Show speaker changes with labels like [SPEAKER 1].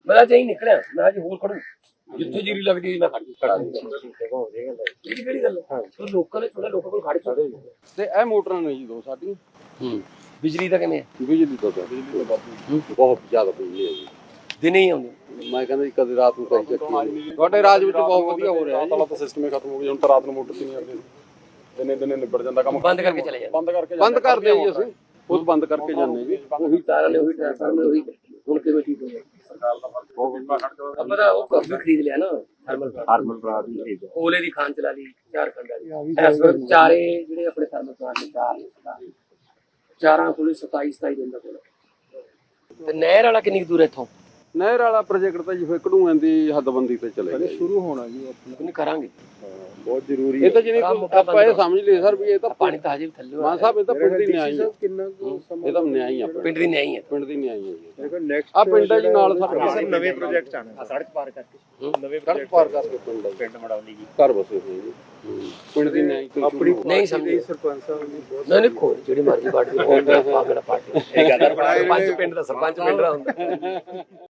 [SPEAKER 1] ਮੈਂ ਤਾਂ ਹੀ ਨਿਕਲਿਆ, ਮੈਂ ਅੱਜ ਹੋਰ ਖੜੂ ਜਿੱਥੇ ਜੀਰੀ ਲੱਗਦੀ ਮੈਂ ਖੜ ਇਹ ਕਿਹੜੀ ਗੱਲ ਹੈ? ਲੋਕਾਂ ਨੇ ਥੋੜਾ ਲੋਕਾਂ ਕੋਲ ਖੜ ਚੜੇ
[SPEAKER 2] ਤੇ ਇਹ ਮੋਟਰਾਂ ਨੇ ਜੀ ਦੋ ਸਾਡੀਆਂ।
[SPEAKER 1] ਬਿਜਲੀ ਦਾ ਕਿਵੇਂ ਹੈ?
[SPEAKER 2] ਬਿਜਲੀ ਤੋਂ ਬਹੁਤ ਜ਼ਿਆਦਾ ਬਿਜਲੀ ਹੈ ਜੀ,
[SPEAKER 1] ਦਿਨੇ ਹੀ ਆਉਂਦੀ।
[SPEAKER 2] ਮੈਂ ਕਹਿੰਦਾ ਜੀ ਕਦੇ ਰਾਤ ਨੂੰ ਕਈ ਚੱਕੀ। ਤੁਹਾਡੇ ਰਾਜ ਵਿੱਚ ਬਹੁਤ ਵਧੀਆ ਹੋ ਰਿਹਾ
[SPEAKER 3] ਤਾਂ ਸਿਸਟਮ ਹੀ ਖਤਮ ਹੋ ਗਿਆ ਹੁਣ ਤਾਂ ਰਾਤ ਨੂੰ ਮੋਟਰ ਤੇ ਨਹੀਂ ਆਉਂਦੇ, ਦਿਨੇ ਨਿਬੜ ਜਾਂਦਾ ਕੰਮ।
[SPEAKER 1] ਬੰਦ ਕਰਕੇ ਚਲੇ ਜਾਂਦੇ,
[SPEAKER 2] ਬੰਦ ਕਰਦੇ ਜੀ ਅਸੀਂ ਖੁਦ ਬੰਦ ਕਰਕੇ ਜਾਂਦੇ ਜੀ।
[SPEAKER 1] ਉਹੀ ਤਾਰਾਂ ਨੇ ਉਹੀ ਟ੍ਰਾਂਸਫਾਰਮਰ ਉਹੀ ਹੁਣ ਕਿਵੇਂ ਠੀਕ ਹੋ ਗਿਆ?
[SPEAKER 3] ਸਰਕਾਰ ਦਾ ਫਰਕ
[SPEAKER 1] ਆਪਾਂ ਤਾਂ ਉਹ ਕਾਫੀ ਖਰੀਦ ਲਿਆ ਨਾ
[SPEAKER 3] ਹਾਰਮਲ ਬਰਾ ਦੀ ਖਰੀਦ
[SPEAKER 1] ਓਲੇ ਦੀ ਖਾਨ ਚਲਾ ਲਈ, ਝਾਰਖੰਡ ਵਾਲੀ ਇਸ ਵਾਰ ਚਾਰੇ ਜਿਹੜੇ ਆਪਣੇ ਥਰਮਲ ਪਲਾਂਟ ਨੇ ਚਾਰਾਂ ਕੋਲ 27 ਦਿਨ ਦਾ ਕੋਲ। ਤੇ ਨਹਿਰ ਵਾਲਾ ਕਿੰਨੀ ਦੂਰ ਹੈ ਇੱਥੋਂ?
[SPEAKER 2] ਨਹਿਰ ਵਾਲਾ ਪ੍ਰੋਜੈਕਟ ਤਾਂ ਜੀ ਫਿਰ ਕਢੂਆਂ ਦੀ ਹੱਦਬੰਦੀ ਤੇ ਚਲੇ ਗਿਆ
[SPEAKER 3] ਸ਼ੁਰੂ ਹੋਣਾ ਜੀ ਆਪਣਾ,
[SPEAKER 1] ਉਹਨੇ ਕਰਾਂਗੇ
[SPEAKER 3] ਬਹੁਤ ਜ਼ਰੂਰੀ
[SPEAKER 2] ਇਹ ਤਾਂ ਜਿਹਨੇ ਆਪਾਂ ਇਹ ਸਮਝ ਲਈਏ ਸਰ ਵੀ ਇਹ ਤਾਂ
[SPEAKER 1] ਪਾਣੀ ਤਾਂ ਹਜੇ ਵੀ ਥੱਲੇ
[SPEAKER 2] ਮਾਨ ਸਾਹਿਬ ਇਹ ਤਾਂ ਪਿੰਡ ਦੀ ਨਿਆਈ ਹੈ,
[SPEAKER 3] ਕਿੰਨਾ
[SPEAKER 2] ਇਹ ਤਾਂ ਨਿਆਈ ਆ
[SPEAKER 1] ਪਿੰਡ ਦੀ ਨਹੀਂ ਹੈ,
[SPEAKER 2] ਪਿੰਡ ਦੀ ਨਿਆਈ ਹੈ ਜੀ।
[SPEAKER 3] ਦੇਖੋ ਨੈਕਸਟ
[SPEAKER 2] ਆ ਪਿੰਡ ਹੈ ਜੀ ਨਾਲ ਸਾਡੇ
[SPEAKER 3] ਨਵੇਂ ਪ੍ਰੋਜੈਕਟ ਆਣੇ ਸੜਕ ਪਾਰ ਕਰਕੇ, ਨਵੇਂ
[SPEAKER 2] ਸੜਕ ਪਾਰ ਕਰਕੇ ਪਿੰਡ ਹੈ,
[SPEAKER 3] ਪਿੰਡ ਮੜਾਉਣੀ ਜੀ
[SPEAKER 2] ਘਰ ਬਸੇ ਹੋਏ ਜੀ। ਪਿੰਡ ਦੀ ਨਿਆਈ ਤੋਂ
[SPEAKER 3] ਆਪਣੀ
[SPEAKER 1] ਨਹੀਂ ਸਮਝੇ
[SPEAKER 3] ਸਰਪੰਚ ਸਾਹਿਬ ਨੇ ਬਹੁਤ
[SPEAKER 1] ਨਹੀਂ ਖੋਲ ਜਿਹੜੀ ਮਰਜ਼ੀ ਪਾਰਟੀ ਪਾਗਲ ਪਾਰਟੀ ਇਹ ਗੱਲ ਬਣਾਏ ਪਿੰਡ ਦਾ ਸਰਪੰਚ ਪਿੰਡ ਦਾ ਹੁੰਦਾ।